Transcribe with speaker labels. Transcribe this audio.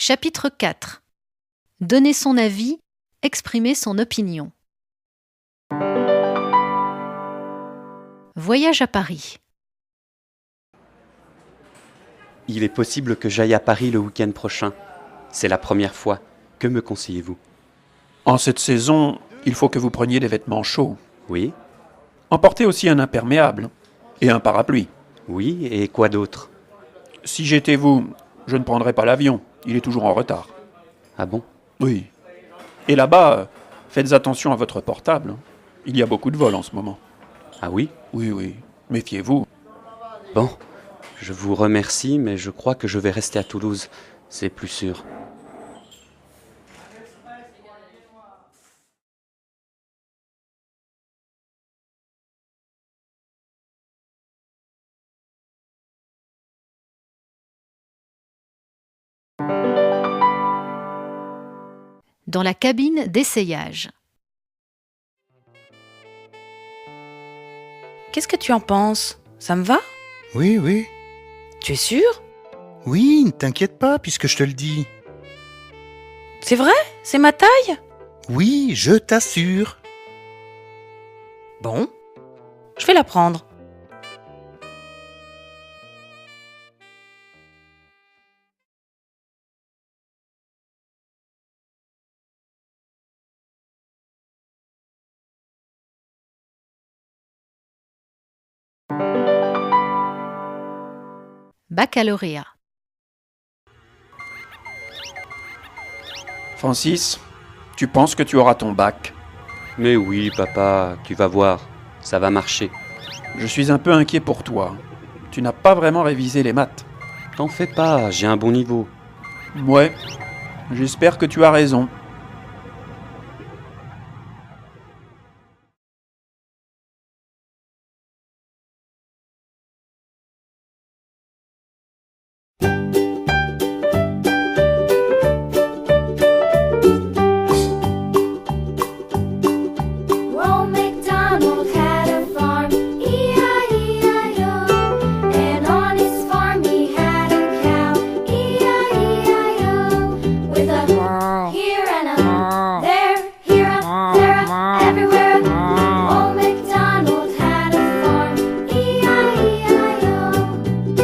Speaker 1: Chapitre 4. Donner son avis, exprimer son opinion. Voyage à Paris.
Speaker 2: Il est possible que j'aille à Paris le week-end prochain. C'est la première fois. Que me conseillez-vous?
Speaker 3: En cette saison, il faut que vous preniez des vêtements chauds.
Speaker 2: Oui,
Speaker 3: Emportez aussi un imperméable et un parapluie.
Speaker 2: oui, et quoi d'autre?
Speaker 3: Si j'étais vous, je ne prendrais pas l'avion. Il est toujours en retard.
Speaker 2: Ah bon?
Speaker 3: Oui. Et là-bas, faites attention à votre portable. Il y a beaucoup de vols en ce moment.
Speaker 2: Ah oui?
Speaker 3: Oui. Méfiez-vous.
Speaker 2: Bon, je vous remercie, mais je crois que je vais rester à Toulouse. C'est plus sûr.
Speaker 1: Dans la cabine d'essayage.
Speaker 4: Qu'est-ce que tu en penses? Ça me va?
Speaker 5: Oui.
Speaker 4: Tu es sûr?
Speaker 5: Oui, ne t'inquiète pas puisque je te le dis.
Speaker 4: C'est vrai? C'est ma taille?
Speaker 5: Oui, je t'assure.
Speaker 4: Bon, je vais la prendre.
Speaker 1: Baccalauréat.
Speaker 3: Francis, tu penses que tu auras ton bac?
Speaker 2: Mais oui, papa, tu vas voir. Ça va marcher.
Speaker 3: Je suis un peu inquiet pour toi. Tu n'as pas vraiment révisé les maths.
Speaker 2: T'en fais pas, j'ai un bon niveau.
Speaker 3: Ouais, j'espère que tu as raison.